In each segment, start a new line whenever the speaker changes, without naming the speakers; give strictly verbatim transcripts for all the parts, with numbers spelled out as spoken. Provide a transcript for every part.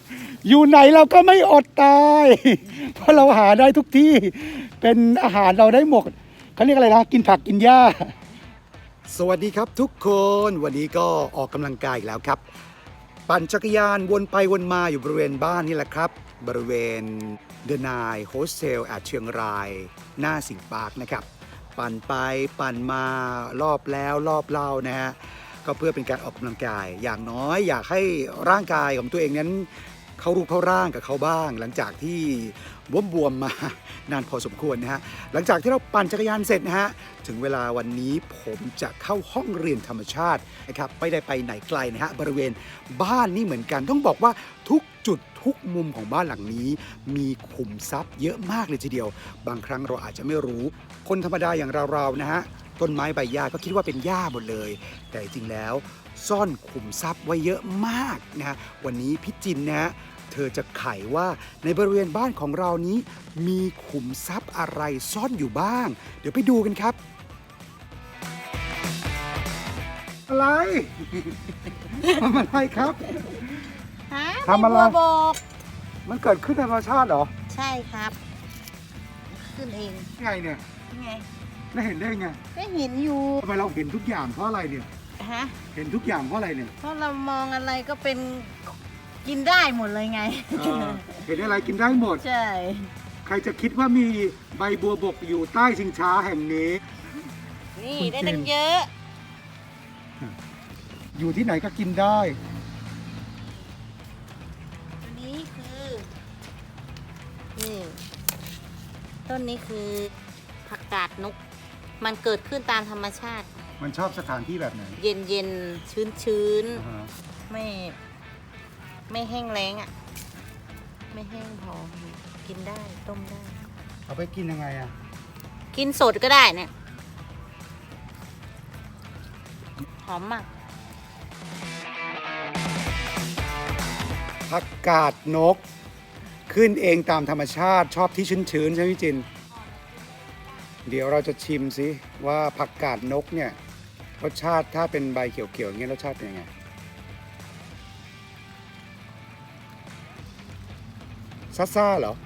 อยู่ไหนเราก็ไม่อดตายเพราะเราหาได้ทุกที่เป็นอาหารเราได้หมดเขาเรียกอะไรนะกินผักกินหญ้าสวัสดีครับทุกคนวันนี้ก็ออกกำลังกายอีกแล้วครับปั่นจักรยานวนไปวนมาอยู่บริเวณบ้านนี่แหละครับบริเวณเดอะไนน์โฮสเทลแอดเชียงรายหน้าสิงห์ปาร์คนะครับปั่นไปปั่นมารอบแล้วรอบเล่านะฮะก็เพื่อเป็นการออกกำลังกายอย่างน้อยอยากให้ร่างกายของตัวเองนั้นเข้ารูปเข้าร่างกับเขาบ้างหลังจากที่บวมๆมานานพอสมควรนะฮะหลังจากที่เราปั่นจักรยานเสร็จนะฮะถึงเวลาวันนี้ผมจะเข้าห้องเรียนธรรมชาตินะครับไม่ได้ไปไหนไกลนะฮะบริเวณบ้านนี่เหมือนกันต้องบอกว่าทุกจุดทุกมุมของบ้านหลังนี้มีขุมทรัพย์เยอะมากเลยทีเดียวบางครั้งเราอาจจะไม่รู้คนธรรมดาอย่างเราๆนะฮะต้นไม้ใบหญ้าก็คิดว่าเป็นหญ้าหมดเลยแต่จริงแล้วซ่อนขุมทรัพย์ไว้เยอะมากนะฮะวันนี้พี่จินนะฮะเธอจะไขว่าในบริเวณบ้านของเรานี้มีขุมทรัพย์อะไรซ่อนอยู่บ้างเดี๋ยวไปดูกันครับอะไร ทำอะไรครับ
ฮะ
ทำอะไร
บัวบก
มันเกิดขึ้นในธรรมชาติเหรอ
ใช่ครับ ขึ้นเอง
ไงเนี่ย
ไง
แล้วเห็นได้ไง
ก็เห็นอยู่
ทำไมเราเห็นทุกอย่างเพราะอะไรเนี่ย
ฮะ
เห็นทุกอย่างเพราะอะไรเนี่ย
เพราะเรามองอะไรก็เป็นกินได้หมดเลยไง
เออเห็นอะไรกินได้หมด
ใช่
ใครจะคิดว่ามีใบบัวบกอยู่ใต้ชิงช้าแห่งนี้
นี่
คุณ
ได้
จิน
ตั้งเยอะ
อยู่ที่ไหนก็กินได้
ตัวนี้คือนี่ต้นนี้คือผักกาดนก มันเกิดขึ้นตามธรรมชาติ
มันชอบสถานที่แบบไหน
เย็นเย็นชื้นชื้น
อ่าฮะ
ๆไม่ไม่แห้งแล้งอ่ะ ไม่แห้งพอกินได้ต้มได้
เอาไปกินยังไงอะ
กินสดก็ได้เนี่ยหอมมาก
ผักกาดนก ขึ้นเองตามธรรมชาติชอบที่ชื้นๆใช่ไหมพี่จิน เดี๋ยวเราจะชิมซิว่าผักกาดนกเนี่ยรสชาติถ้าเป็นใบเขียวๆอย่างเงี้ยรสชาติเป็นยังไงซ่าซ่าๆเหรอ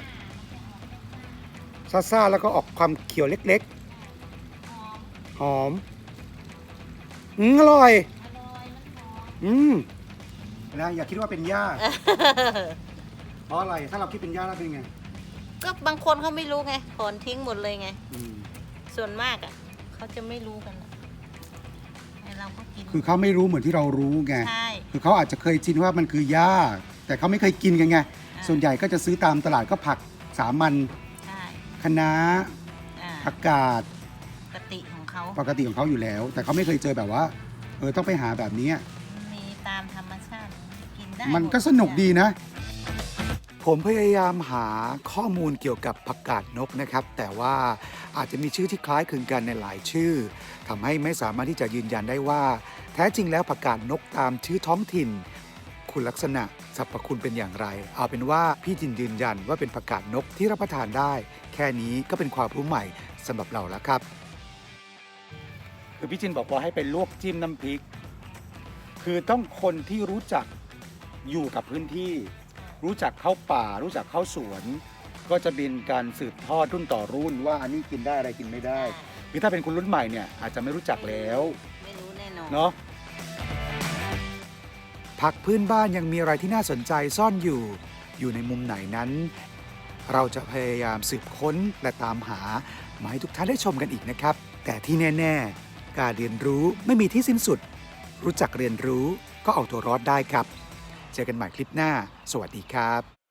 ซ่าซ่าๆแล้วก็ออกความเขียวเล็กๆหอมอืมอร่อยอืมนะอย่าคิดว่าเป็นหญ้า เพราะอะไรถ้าเราคิดเป็นหญ้าแล้วเป็นไง
ก็บางคนเขาไม่รู้ไงถอนทิ้งหมดเลยไง
อืม
ส่วนมากอ่ะเขาจะไม่รู้กันนะไอเราก็กิน
คือเขาไม่รู้เหมือนที่เรารู้ไง
ใช่
คือเขาอาจจะเคยชินว่ามันคือหญ้าแต่เขาไม่เคยกินกันไง ส่วนใหญ่ก็จะซื้อตามตลาดก็ผักสามัญ
ใช่
คะน้า
อ่า
ผักกาด
ปกติของเขา
ปกติของเขาอยู่แล้ว แต่เขาไม่เคยเจอแบบว่าเออต้องไปหาแบบนี้
มีตามธรรมชาติกินได้
มันก็สนุกดีนะ ผมพยายามหาข้อมูลเกี่ยวกับผักกาดนกนะครับ แต่ว่าอาจจะมีชื่อที่คล้ายคลึงกันในหลายชื่อทำให้ไม่สามารถที่จะยืนยันได้ว่า แท้จริงแล้วผักกาดนกตามชื่อท้องถิ่น คุณลักษณะสรรพคุณเป็นอย่างไร เอาเป็นว่าพี่จินยืนยันว่าเป็นผักกาดนกที่รับประทานได้ แค่นี้ก็เป็นความรู้ใหม่สำหรับเราแล้วครับคือพี่จินบอกว่าให้ไปลวกจิ้มน้ำพริก คือต้องคนที่รู้จักอยู่กับพื้นที่ รู้จักเข้าป่า รู้จักเข้าสวน ก็จะเป็นการสืบทอดรุ่นต่อรุ่นว่าอันนี้กินได้อะไรกินไม่ได้คือถ้าเป็นคนรุ่นใหม่เนี่ยอาจจะไม่รู้จักแล้ว
ไม่รู้แน่นอน
เนาะผักพื้นบ้านยังมีอะไรที่น่าสนใจซ่อนอยู่ อยู่ในมุมไหนนั้น เราจะพยายามสืบค้นและตามหามาให้ทุกท่านได้ชมกันอีกนะครับ แต่ที่แน่ๆการเรียนรู้ไม่มีที่สิ้นสุด รู้จักเรียนรู้ก็เอาตัวรอดได้ครับ เจอกันใหม่คลิปหน้า สวัสดีครับ